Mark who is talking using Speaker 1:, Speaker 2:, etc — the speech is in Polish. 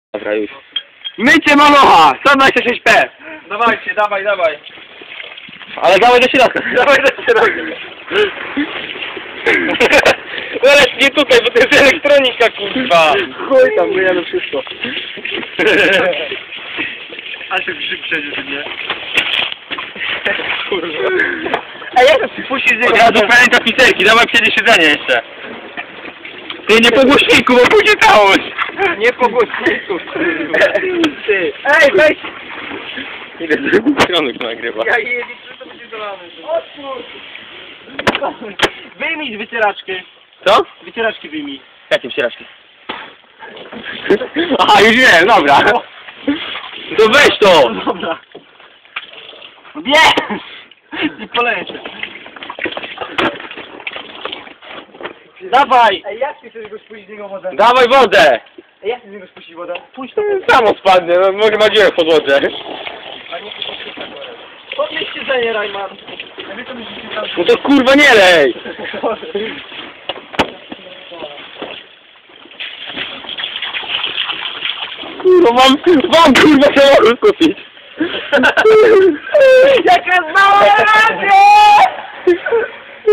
Speaker 1: Dobra, już. Mycie malocha! 126p!
Speaker 2: Dawajcie, dawaj.
Speaker 1: Ale dawaj do środka.
Speaker 2: Dawaj do środka.
Speaker 1: Ale nie tutaj, bo to jest elektronika, kurwa.
Speaker 2: Chuj tam, myjemy wszystko. A się grzyb przejdzie, nie? Kurwa.
Speaker 1: Ej, jak to puścisz z niego? Od razu pamięta pizzerki, dawaj przejdzie siedzenie jeszcze. Ty nie po głośniku, bo pójdzie całość.
Speaker 2: Nie po głośniku. Ty. Ej, weź!
Speaker 1: Ile z drugiej strony to nagrywa?
Speaker 2: Ja je liczę, to będzie zalane. Otwórz! Wyjmij wycieraczki.
Speaker 1: Co?
Speaker 2: Wycieraczki wyjmij.
Speaker 1: Jakie wsieraczki? Aha, już wiem, dobra. To weź to!
Speaker 2: Dobra. Nie! I poleję cię. Dawaj! Ej, jak ty chcesz go spuścić z niego wodę?
Speaker 1: Dawaj wodę!
Speaker 2: Ej, jak ty z niego spuścić wodę? Puść to.
Speaker 1: Samo spadnę, no, może ma dziurę w podłodze.
Speaker 2: A nie podnieś siedzenie, Rajman. Ja wiem, co myślicie tam.
Speaker 1: No to kurwa nie lej! Kurwa, mam kurwa samochód kupić.
Speaker 2: Jaka mała racja!